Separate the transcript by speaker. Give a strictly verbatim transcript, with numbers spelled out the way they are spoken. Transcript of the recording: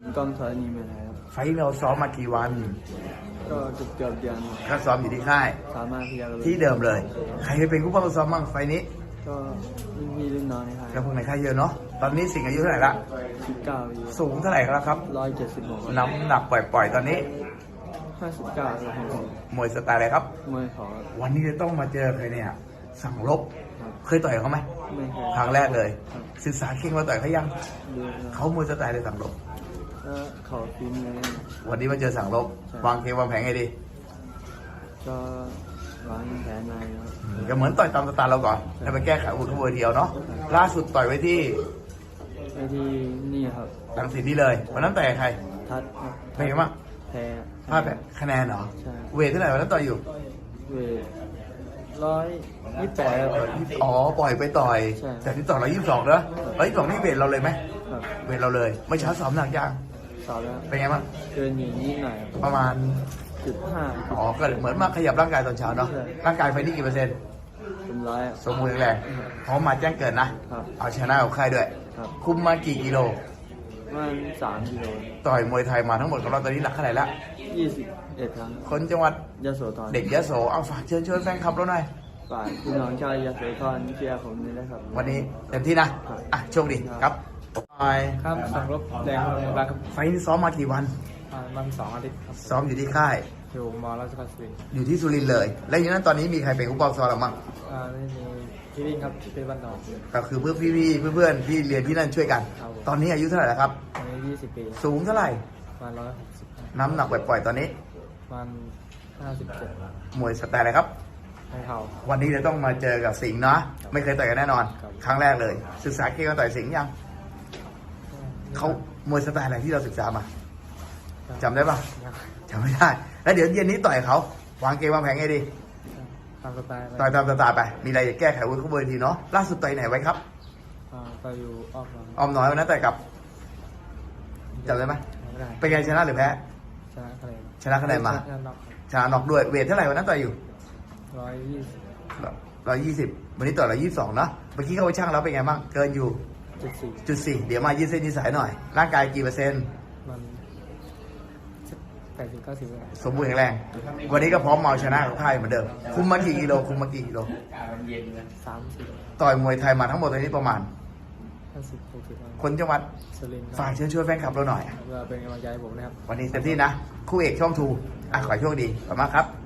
Speaker 1: กล้องธรณีเมืองไทยครับ
Speaker 2: ไฟท์เราซ้อมมากี่วัน
Speaker 1: ก็เกือบเกือบเดือน
Speaker 2: ก็ซ้อมอยู่ที่ค่าย
Speaker 1: สามารถที่จะ
Speaker 2: ที่เดิมเลย ใครเป็นผู้ป้องกันซ้อมบ้างไฟท์นี้
Speaker 1: ก็รุ่นพี่รุ่นน้องในไทย
Speaker 2: แล้วพวกในค่ายเยอะเนาะ ตอนนี้สิงห์อายุเท่าไหร่ละ
Speaker 1: สิบเก้าปี
Speaker 2: สูงเท่าไหร่แล้วครับ
Speaker 1: ร้อยเจ็ดสิบหก
Speaker 2: น้ำหนักปล่อยๆตอนนี้
Speaker 1: ห้าสิบเก้าครับผม
Speaker 2: มวยสไตล์อะไรครับ
Speaker 1: มวยขอ
Speaker 2: วันนี้จะต้องมาเจอใครเนี่ย สั่งลบ
Speaker 1: ครับ
Speaker 2: เคยต่อยเขาไหม
Speaker 1: ไม่เคย
Speaker 2: ครั้งแรกเลย
Speaker 1: ครับ
Speaker 2: ศึกษาเข่งมาต่อยเขายัง
Speaker 1: ดูครับ
Speaker 2: เขามวยสไตล์เลยสั่งลบ
Speaker 1: แล้วเขาฟินเลย
Speaker 2: วันนี้มาเจอสั่งลบ
Speaker 1: ใช่
Speaker 2: วางเกมวางแผนไงดี
Speaker 1: ก็วางแผนในครับ
Speaker 2: ก็เหมือนต่อยตามสไตล์เราก่อนแล้วไปแก้ไขอุทเวอร์เดียวเนาะ ล่าสุดต่อยไว้ที่
Speaker 1: ไปที่นี่ครับ
Speaker 2: ลังสิตนี่เลยวันนั้นต่อยกับใคร
Speaker 1: ทัดครับ
Speaker 2: เป็นไงบ้าง
Speaker 1: แพ้
Speaker 2: พลาดแบบคะแนนเหรอ
Speaker 1: ใช่
Speaker 2: เวทเท่าไหร่วันนั้นต่อยอยู่
Speaker 1: เวทร้อยยี่สิบแปดครับ
Speaker 2: อ๋อ ปล่อยไปต่อย
Speaker 1: ใช่
Speaker 2: แต่ที่ต่อยร้อยยี่สิบสองเนอะร้อยยี่สิบสองนี่เวทเราเลยไหม
Speaker 1: ครับ
Speaker 2: เวทเราเลยไม่เช้าซ้อมหนักยัง
Speaker 1: สอบแล้ว
Speaker 2: เป็นไงบ้าง
Speaker 1: เกินอย่างนี้หน่อยครับ
Speaker 2: ประมาณ
Speaker 1: จุดห้า
Speaker 2: อ๋อ ก็เหมือนมาขยับร่างกายตอนเช้าเนาะ
Speaker 1: ใช่
Speaker 2: ร่างกายไฟนี่กี่เปอร์เซ็นต์
Speaker 1: เป็นร้อยอะ
Speaker 2: สมบูรณ์แข็งแรงพร้อมมาแจ้งเกิดนะ
Speaker 1: ครับ
Speaker 2: เอาชนะกับใครด้วย
Speaker 1: ครับ
Speaker 2: คุมมากี่กิโล
Speaker 1: ประมันสามกิโล
Speaker 2: ต่อยมวยไทยมาทั้งหมดของเราตอนนี้หนักเท่าไหร่ละ
Speaker 1: ยี่สิบเอ็ดครั้ง
Speaker 2: คนจังหวัด
Speaker 1: ยโสธร
Speaker 2: เด็กยโส เอาฝากเชิญชวนแฟนคลับเราหน่อย
Speaker 1: ฝ่ายพี่น้องชาวยโสธรเชียร์ผมนี่นะครับ
Speaker 2: วันนี้เต็มที่นะ อ่ะโชคดีครับไป
Speaker 1: ครับสังรบแดงลงบาครับ
Speaker 2: ไฟล์นี้ซ้อมมากี่วัน
Speaker 1: มันสองอาทิตย์ครับ
Speaker 2: ซ้อมอยู่ที่ค่าย
Speaker 1: อยู่มอราชพัฒน์สุรินทร์
Speaker 2: อยู่ที่สุรินทร์เลย และอย่างนั้นตอนนี้มีใครเป็นผู้ปกครองเราบ้าง
Speaker 1: อ่าไม่มีพี่วิ่งครับเป็นบ้านนอก
Speaker 2: ก็คือเพื่อนพี่ๆเพื่อนๆที่เรียนที่นั่นช่วยกัน
Speaker 1: ครับผม
Speaker 2: ตอนนี้อายุเท่าไหร่แล้วครับ
Speaker 1: อายุยี่สิบปี
Speaker 2: สูงเท่าไหร่
Speaker 1: ประมาณร้อยหกสิบ
Speaker 2: น้ำหนักปล่อยๆตอนนี้
Speaker 1: ประมาณห้าสิบเจ็ด
Speaker 2: มวยสไตล์อะไรครับ
Speaker 1: ให้เขา
Speaker 2: วันนี้จะต้องมาเจอกับสิงห์เนาะไม่เคยต่อยกันแน่นอน
Speaker 1: ครับ
Speaker 2: ครั้งแรกเลย ศึกษาเก่งกันต่อยสิงห์ยังเขามวยสไตล์อะไรที่เราศึกษามาจำได้ปะจำไม่ได้ แล้วเดี๋ยวเย็นนี้ต่อยเขาวางเกมวางแผนไงดี
Speaker 1: ตามสไตล์
Speaker 2: ต่อยตามสไตล์ไป มีอะไรจะแก้ไขวุ้นข้างบนทีเนาะล่าสุดต่อยไหนไว้ครับ
Speaker 1: อ่าไปอยู่ออกมา
Speaker 2: ออมน้อยวันนั้นต่อยกับจำได้ไหม
Speaker 1: ไม่ได้
Speaker 2: เป็นไงชนะหรือแพ้
Speaker 1: ชนะคะแนน
Speaker 2: ชนะคะแนนมา
Speaker 1: ชนะน็อก
Speaker 2: ชนะน็อกด้วยเวทเท่าไหร่วันนั้นต่อยอยู่
Speaker 1: ร้อยยี่สิบ
Speaker 2: ร้อยยี่สิบวันนี้ต่อยร้อยยี่สิบสองเนาะเมื่อกี้เข้าไปช่างแล้วเป็นไงบ้างเกินอยู่
Speaker 1: จุดสี่
Speaker 2: จุดสี่เดี๋ยวมายืดเส้นยืดสายหน่อย ร่างกายกี่เปอร์เซ็นต์
Speaker 1: มันแปดสิบเก้าสิบ
Speaker 2: สมบูรณ์แข็งแรง วันนี้ก็พร้อมมาเอาชนะกับค่ายเหมือนเดิม คุมมากี่กิโล คุมมากี่กิโล
Speaker 1: สามสิบ
Speaker 2: ต่อยมวยไทยมาทั้งหมดตอนนี้ประมาณ
Speaker 1: ห้าสิบหกสิบ
Speaker 2: คนจังหวัด
Speaker 1: สุรินทร์
Speaker 2: ฝากเชิญชวนแฟนคลับเราหน่อย
Speaker 1: เพื่อเป็นกำลังใจให้ผมนะครับ
Speaker 2: วันนี้เต็มที่นะ คู่เอกช่องทูอ่ะขอให้โชคดี ขอบคุณมากครับ